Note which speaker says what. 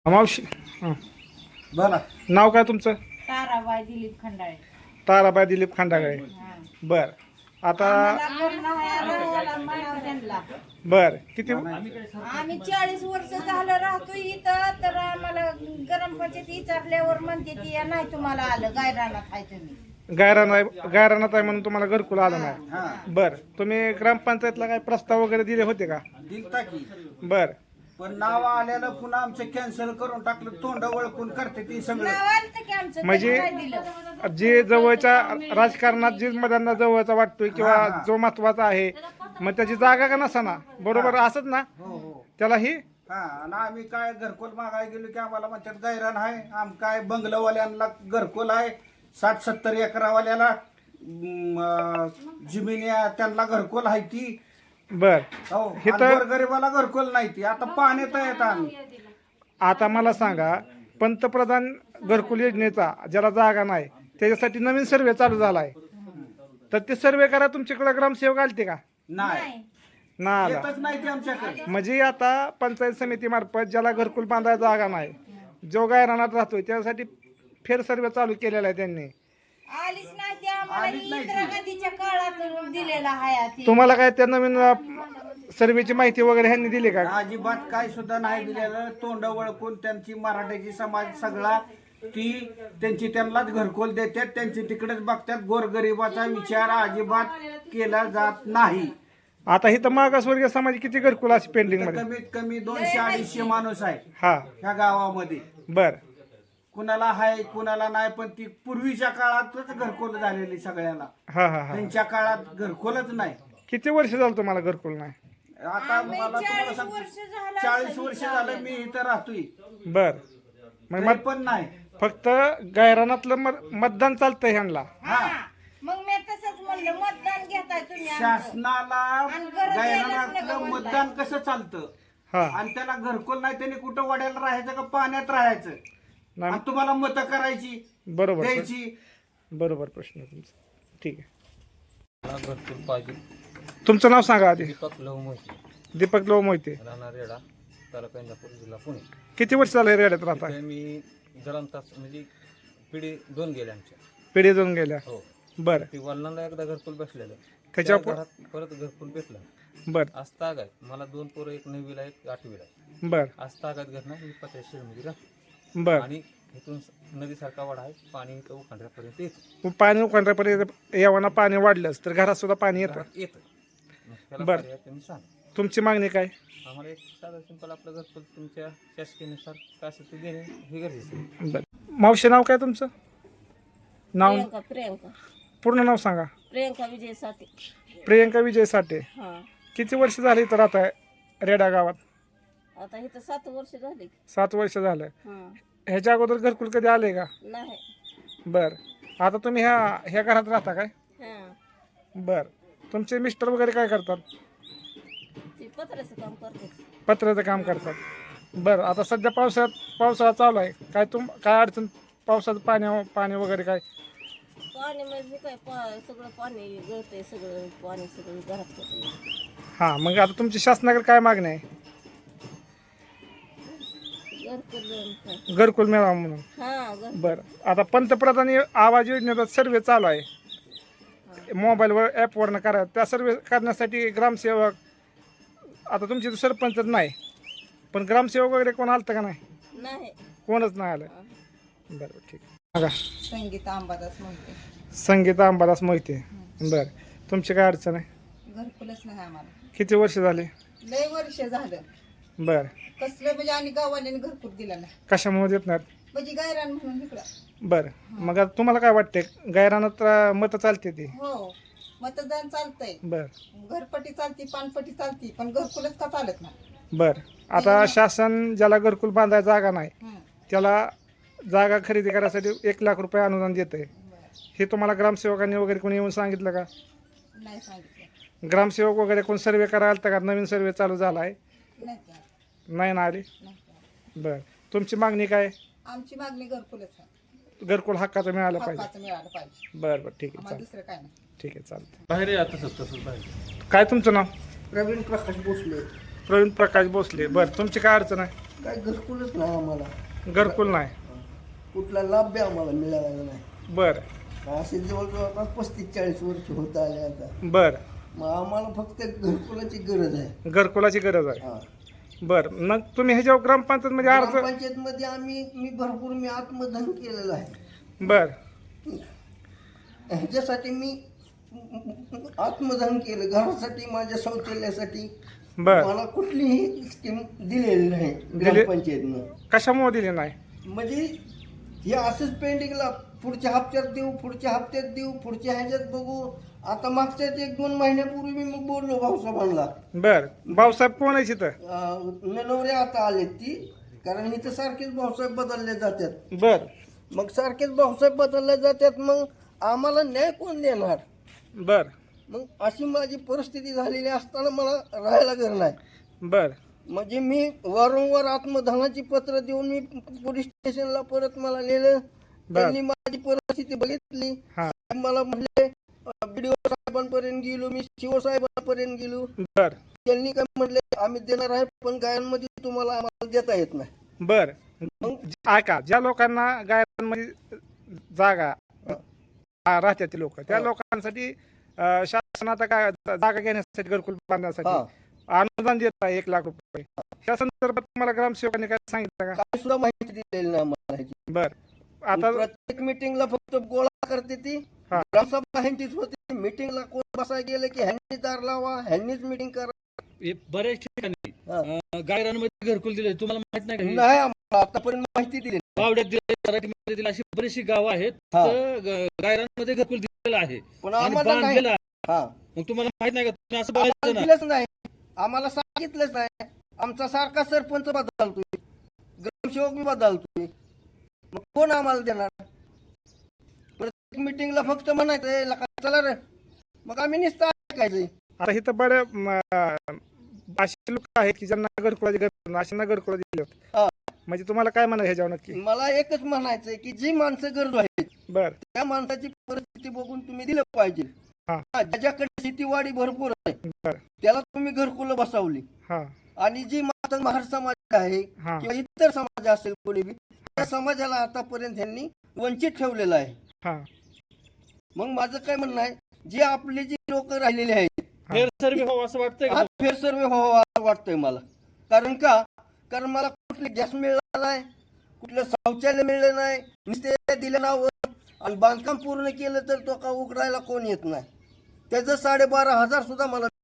Speaker 1: मावशी हं.
Speaker 2: बोला.
Speaker 1: नाव काय तुमचं?
Speaker 3: ताराबाई दिलीप खंडाळे.
Speaker 1: ताराबाई दिलीप खंडागळे.
Speaker 3: हा.
Speaker 1: बर आता
Speaker 3: आम्हाला करणं आलं, म्हणावं त्यांना.
Speaker 1: बर किती
Speaker 3: आम्ही 40 वर्ष झालं राहतो इथं, तर आम्हाला ग्रामपंचायत विचारल्यावर म्हणते ती नाही तुम्हाला आलं, गायरानात आहे तुम्ही.
Speaker 1: गायरानात आहे म्हणून तुम्हाला घरकुल आलं नाही.
Speaker 2: हा
Speaker 1: बर तुम्ही ग्रामपंचायतला काय प्रस्ताव वगैरे दिले होते का?
Speaker 2: दिलता की,
Speaker 1: बर
Speaker 2: पण नाव आल्यानं पुन्हा आमचं कॅन्सल करून टाकलं. तोंड वळकून करते ती सगळं.
Speaker 3: नाव आलं की आमचं,
Speaker 1: म्हणजे
Speaker 3: त्यांनी काय दिलं?
Speaker 1: जे जवळच्या राजकारणात जे मतदारांना जवळचा वाटतोय किंवा
Speaker 2: हा, हा.
Speaker 1: जो महत्वाचा आहे मग त्याची जागा का नसाना बरोबर असत ना
Speaker 2: हो हो.
Speaker 1: त्याला ही
Speaker 2: हा आणि आम्ही काय घरकुल मागायला गेलो की आम्हाला म्हणतात गायरान आहे. आम काय बंगलवाल्यांना घरकुल आहे, 60-70 एकरावाल्याला जमिनी त्यांना घरकुल आहे ती.
Speaker 1: बर
Speaker 2: हो
Speaker 1: इथं-
Speaker 2: गरीबाला घरकुल नाही ती. आता पाण्यात येत आम्ही.
Speaker 1: आता मला सांगा पंतप्रधान घरकुल योजनेचा ज्याला जागा नाही त्याच्यासाठी नवीन सर्वे चालू झाला आहे, तर ते सर्वे करा. तुमच्याकडे ग्रामसेवक आलते का?
Speaker 2: नाही
Speaker 1: ना आला.
Speaker 2: येतच नाही ती आमच्याकडे.
Speaker 1: म्हणजे आता पंचायत समितीमार्फत ज्याला घरकुल बांधायला जागा नाही, जो गायरानात राहतोय त्यासाठी फेर सर्वे चालू केलेला आहे त्यांनी.
Speaker 3: आलीच नाही ती आम्हाला,
Speaker 2: आलीच नाही ती.
Speaker 3: इंदिरा गांधीच्या काळात दिलेला आहे ती.
Speaker 1: तुम्हाला काय त्या नवीन सर्वेची माहिती वगैरे ह्यांनी दिली का?
Speaker 2: अजिबात काय सुद्धा नाही दिलेलं. तोंड वळकून त्यांची मराठ्याची समाज सगळा ती त्यांची त्यांनाच घरकुल देतात, त्यांची तिकडेच बघतात. गोरगरिबाचा विचार अजिबात केला जात नाही.
Speaker 1: आता ही तर मागासवर्गीय समाज किती घरकुल अशी पेंडिंग
Speaker 2: तर
Speaker 1: मध्ये?
Speaker 2: कमीत कमी 200-250 माणूस आहे
Speaker 1: हा
Speaker 2: ह्या गावामध्ये.
Speaker 1: बर
Speaker 2: कुणाला आहे कुणाला नाही, पण ती पूर्वीच्या काळातच घरकुल झालेली सगळ्याला.
Speaker 1: हा हा हा
Speaker 2: त्यांच्या काळात घरकुलच नाही.
Speaker 1: किती वर्ष झालं तुम्हाला घरकुल नाही?
Speaker 2: आता
Speaker 3: आम्ही
Speaker 2: मला तुम्हाला
Speaker 3: 40
Speaker 2: सांगतो,
Speaker 3: वर्ष झालं
Speaker 2: 40 वर्ष झालं मी इथं राहतोय,
Speaker 1: बर मग
Speaker 2: तरी पण नाही.
Speaker 1: फक्त गायरानातलं मतदान चालतंय ह्यांना.
Speaker 3: हा. मग मी तसंच म्हणलं, मतदान घेताय तुम्ही आमचं.
Speaker 2: शासनाला
Speaker 3: आणि गरज
Speaker 2: गायरानातलं
Speaker 3: यायलाच नका
Speaker 2: मतदान कसं चालतं
Speaker 1: हा
Speaker 2: आणि त्याला घरकुल नाही, त्याने कुठं वड्याला राहायचं का पाण्यात राहायचं
Speaker 1: नाही,
Speaker 2: आणि तुम्हाला मतं करायची
Speaker 1: बरोबर
Speaker 2: द्यायची.
Speaker 1: बरोबर प्रश्न आहे तुमचा. ठीक आहे,
Speaker 4: मला घरकुल पाहिजे.
Speaker 1: तुमचं नाव सांगा आधी.
Speaker 4: दीपक लव मोहिते,
Speaker 1: दीपक लोह मोहिते.
Speaker 4: राहणार रेडा, तालुका इंदापूर, जिल्हा पुणे.
Speaker 1: किती वर्ष झाले रेड्यात राहता?
Speaker 4: इथे मी ग्रामतास म्हणजे पिढी 2 गेल्या आमच्या.
Speaker 1: पिढी जाऊन गेल्या.
Speaker 4: हो,
Speaker 1: बर
Speaker 4: ती वडिलांना एकदा घरकुल बसलेलं,
Speaker 1: त्याच्या
Speaker 4: त्या घरात परत घरकुल भेटलं.
Speaker 1: बर
Speaker 4: आज तागायत मला 2 पोरं, एक 9वीला एक 8वीला आहे.
Speaker 1: बर
Speaker 4: आज तागायत घर नाही, मी 50 मध्ये राहतो.
Speaker 1: बर
Speaker 4: आणि इथून नदीसारखा वाडा आहे, पाणी इथं उखांड्यापर्यंत येतं.
Speaker 1: पाणी उखांड्यापर्यंत यावाना पाणी वाढलंच तर घरात सुद्धा पाणी येतं.
Speaker 4: घरात येतं. मग त्याला
Speaker 1: बरं.
Speaker 4: पर्याय तुम्ही सांगा.
Speaker 1: तुमची मागणी काय?
Speaker 4: आम्हाला एक साधं सिंपल आपलं घरकुल तुमच्या शासकीयनुसार काय असेल ते देणे हे गरजेचं आहे.
Speaker 1: बर मावशी नाव काय तुमचं? नाव
Speaker 3: प्रियंका
Speaker 1: पूर्ण नाव सांगा.
Speaker 3: प्रियंका विजय साठे.
Speaker 1: प्रियंका विजय साठे.
Speaker 3: हा.
Speaker 1: किती वर्ष झाली तर आता रेडा गावात?
Speaker 3: आता इथं 7 वर्ष झाली.
Speaker 1: 7 वर्ष झालं.
Speaker 3: हा.
Speaker 1: ह्याच्या अगोदर घरकुल कधी आले का?
Speaker 3: नाही.
Speaker 1: बर आता तुम्ही ह्या घरात राहता काय?
Speaker 3: हा.
Speaker 1: बर तुमचे मिस्टर वगैरे काय करतात?
Speaker 3: ती पत्र्याचं काम करते.
Speaker 1: पत्र्याचं काम करतात. बरं आता सध्या पावसाळा चालू आहे, काय अडचण पावसाचं पाणी वगैरे काय?
Speaker 3: पाणी म्हणजे काय, सगळं पाणी गळतंय, सगळं पाणी सगळं घरात होतंय.
Speaker 1: हां मग आता तुमची शासनाकडे काय मागणी आहे?
Speaker 3: घरकुल
Speaker 1: घरकुल मिळावं म्हणून.
Speaker 3: हा.
Speaker 1: बरं आता पंतप्रधान आवाज योजनेचा सर्वे चालू आहे, मोबाईलवर ॲपवरनं करा. त्या सर्वे करण्यासाठी ग्रामसेवक, आता तुमची तर सरपंचच नाही पण ग्रामसेवक वगैरे कोण आलं का नाही?
Speaker 3: नाही.
Speaker 1: कोणच नाही आलं. बरं ठीक आहे. सांगा.
Speaker 3: संगीता अंबादास म्हणते.
Speaker 1: संगीता अंबादास मोहिते. बरं तुमची काय अडचण आहे?
Speaker 3: घरकुलच नाही आम्हाला.
Speaker 1: किती वर्ष झाले?
Speaker 3: लय वर्ष झालं.
Speaker 1: बरं
Speaker 3: कसलं म्हणजे, आणि गावाने घरकुल दिला नाही
Speaker 1: कशामुळे देत नाहीत?
Speaker 3: म्हणजे गायरान म्हणून इकडं.
Speaker 1: बरं मग आता तुम्हाला काय वाटते गायरानात मतं चालते ती?
Speaker 3: हो, मतदान चालतंय,
Speaker 1: बरं
Speaker 3: घरपट्टी चालती, पानपट्टी चालती, पण घरकुलच का चालत नाही.
Speaker 1: बरं आता शासन ज्याला घरकुल बांधायला जागा नाही
Speaker 3: हं.
Speaker 1: त्याला जागा खरेदी करायसाठी 1 लाख रुपये अनुदान देत आहे.
Speaker 3: बरं.
Speaker 1: हे तुम्हाला ग्रामसेवकांनी वगैरे कोणी येऊन सांगितलं का?
Speaker 3: नाही सांगितलं.
Speaker 1: ग्रामसेवक वगैरे कोण सर्वे करायला आलता का? नवीन सर्वे चालू झाला आहे.
Speaker 3: नाही का?
Speaker 1: नाही ना आली.
Speaker 3: नाही का?
Speaker 1: बरं तुमची मागणी काय?
Speaker 3: आमची मागणी घरकुलच आहे.
Speaker 1: घरकुल हक्काचं मिळालं पाहिजे.
Speaker 3: हक्काचं मिळालं पाहिजे.
Speaker 1: बरं बरं ठीक आहे
Speaker 3: आम्हाला
Speaker 1: चालेल.
Speaker 3: दुसरं काय नाही.
Speaker 1: ठीक आहे चालतं.
Speaker 4: बाहेर या तसंच बाहेर.
Speaker 1: काय तुमचं नाव?
Speaker 2: प्रवीण प्रकाश भोसले.
Speaker 1: प्रवीण प्रकाश भोसले. बरं तुमची काय अडचण आहे?
Speaker 5: काय घरकुलच नाही आम्हाला,
Speaker 1: घरकुल नाही.
Speaker 5: कुठला लाभ बी आम्हाला मिळाला नाही.
Speaker 1: बरं
Speaker 5: असे जवळजवळ 35-40 वर्ष होत आले आता.
Speaker 1: बरं.
Speaker 5: मग आम्हाला फक्त घरकुलाची गरज आहे.
Speaker 1: घरकुलाची गरज आहे.
Speaker 5: हा.
Speaker 1: बरं मग तुम्ही ह्याच्यावर ग्रामपंचायत मध्ये अर्ज.
Speaker 5: ग्रामपंचायतमध्ये मी भरपूर आत्मधन केलेलं आहे.
Speaker 1: बरं
Speaker 5: ह्याच्यासाठी मी आत्मधन केलं, घरासाठी, माझ्या शौचालयासाठी.
Speaker 1: बरं
Speaker 5: मला कुठलीही स्कीम दिलेली नाही ग्रामपंचायतनं.
Speaker 1: कशामुळे दिली नाही?
Speaker 5: म्हणजे हे असंच पेंडिंगला, पुढच्या हप्त्यात देऊ, पुढच्या हप्त्यात देऊ, पुढच्या ह्याच्यात बघू. आता मागच्याच 1-2 महिन्यापूर्वी मी मग बोललो भाऊसाहेबांना.
Speaker 1: बरं भाऊसाहेब कोण आहे तिथं?
Speaker 5: ननवरे आता आलेत ती, कारण इथं सारखेच भाऊसाहेब बदलले जातात.
Speaker 1: बरं
Speaker 5: मग सारखेच भाऊसाहेब बदलले जातात, मग आम्हाला न्याय कोण देणार?
Speaker 1: बरं
Speaker 5: मग अशी माझी परिस्थिती झालेली असताना मला राहायला घर नाही.
Speaker 1: बरं
Speaker 5: म्हणजे मी वारंवार आत्मधनाची पत्र देऊन मी पोलीस स्टेशनला परत मला नेलं. त्यांनी माझी परिस्थिती बघितली.
Speaker 1: हा.
Speaker 5: मला म्हणले, BDO साहेबांपर्यंत गेलो, मी CO साहेबांपर्यंत गेलो.
Speaker 1: बरं
Speaker 5: त्यांनी काय म्हटले, आम्ही देणार आहे पण गायांमध्ये तुम्हाला आम्हाला देता येत नाही.
Speaker 1: बरं ऐका, ज्या लोकांना गायांमध्ये जागा राहतात लोक, त्या लोकांसाठी शासन आता काय जागा घेण्यासाठी, घरकुल बांधण्यासाठी अनुदान देत आहे 1 लाख रुपये. त्या संदर्भात तुम्हाला ग्रामसेवकांनी काय सांगितलं का?
Speaker 5: काय सुद्धा माहिती दिलेली नाही आम्हाला ह्याची.
Speaker 1: बरं आता
Speaker 5: प्रत्येक मिटिंगला फक्त गोळा करते ती.
Speaker 1: हा.
Speaker 5: ग्रामसभा ह्यांचीच होती. मिटिंगला कोण बसायला गेलं की ह्यांनी दार लावा, ह्यांनीच मिटिंग करा.
Speaker 6: बऱ्याच ठिकाणी गायरांमध्ये घरकुल दिले, तुम्हाला माहित नाही का?
Speaker 5: नाही आम्हाला आतापर्यंत माहिती दिली.
Speaker 6: बावड्यात दिले, सराटीमध्ये दिले, अशी बरीचशी गावं आहेत
Speaker 5: हा.
Speaker 6: तर गायरांमध्ये घरकुल दिलेलं आहे
Speaker 5: पण
Speaker 6: आणि
Speaker 5: आम्हाला नाही.
Speaker 6: बांधलेलं आहे.
Speaker 5: हा.
Speaker 6: मग तुम्हाला माहित नाही का? तुम्ही असं
Speaker 5: आम्हाला
Speaker 6: बोलायचं ना.
Speaker 5: दिलंच नाही, आम्हाला सांगितलंच नाही. आमचा सारखा सरपंच बदलतोय, ग्रामसेवक बी बदलतोय, मग कोण आम्हाला देणार? प्रत्येक मिटिंगला फक्त म्हणायचं चला रे, मग आम्ही नुसतं ऐकायचंय.
Speaker 1: आता इथं बऱ्या असे लोक आहेत की ज्यांना घरकुलाची गरज नाही, अशांना घरकुला दिले होते.
Speaker 5: हा.
Speaker 1: म्हणजे तुम्हाला काय म्हणायचं ह्याच्यावर नक्की?
Speaker 5: मला एकच म्हणायचंय की जी माणसं गरजू आहेत
Speaker 1: बरं
Speaker 5: त्या माणसाची परिस्थिती बघून तुम्ही दिलं पाहिजे.
Speaker 1: हा.
Speaker 5: ज्याच्याकडे शेतीवाडी भरपूर आहे
Speaker 1: बरं
Speaker 5: त्याला तुम्ही घरकुलं बसवली,
Speaker 1: हां
Speaker 5: आणि जी माता महार समाज आहे
Speaker 1: हा.
Speaker 5: किंवा इतर समाज असेल कोणी बी, त्या समाजाला आतापर्यंत त्यांनी वंचित ठेवलेलं आहे.
Speaker 1: हां
Speaker 5: मग माझं काय म्हणणं आहे, जी आपली जी लोक राहिलेली आहेत,
Speaker 6: फेर सर्वे व्हावं असं वाटतंय का?
Speaker 5: हा फेर सर्वे व्हावा असं वाटतंय मला. कारण मला कुठले गॅस मिळाला नाही, कुठलं शौचालय मिळलं नाही, नुसते दिलं नाव, आणि बांधकाम पूर्ण केलं तर तो का उघडायला कोण येत नाही. त्याचं 12,500 सुद्धा मला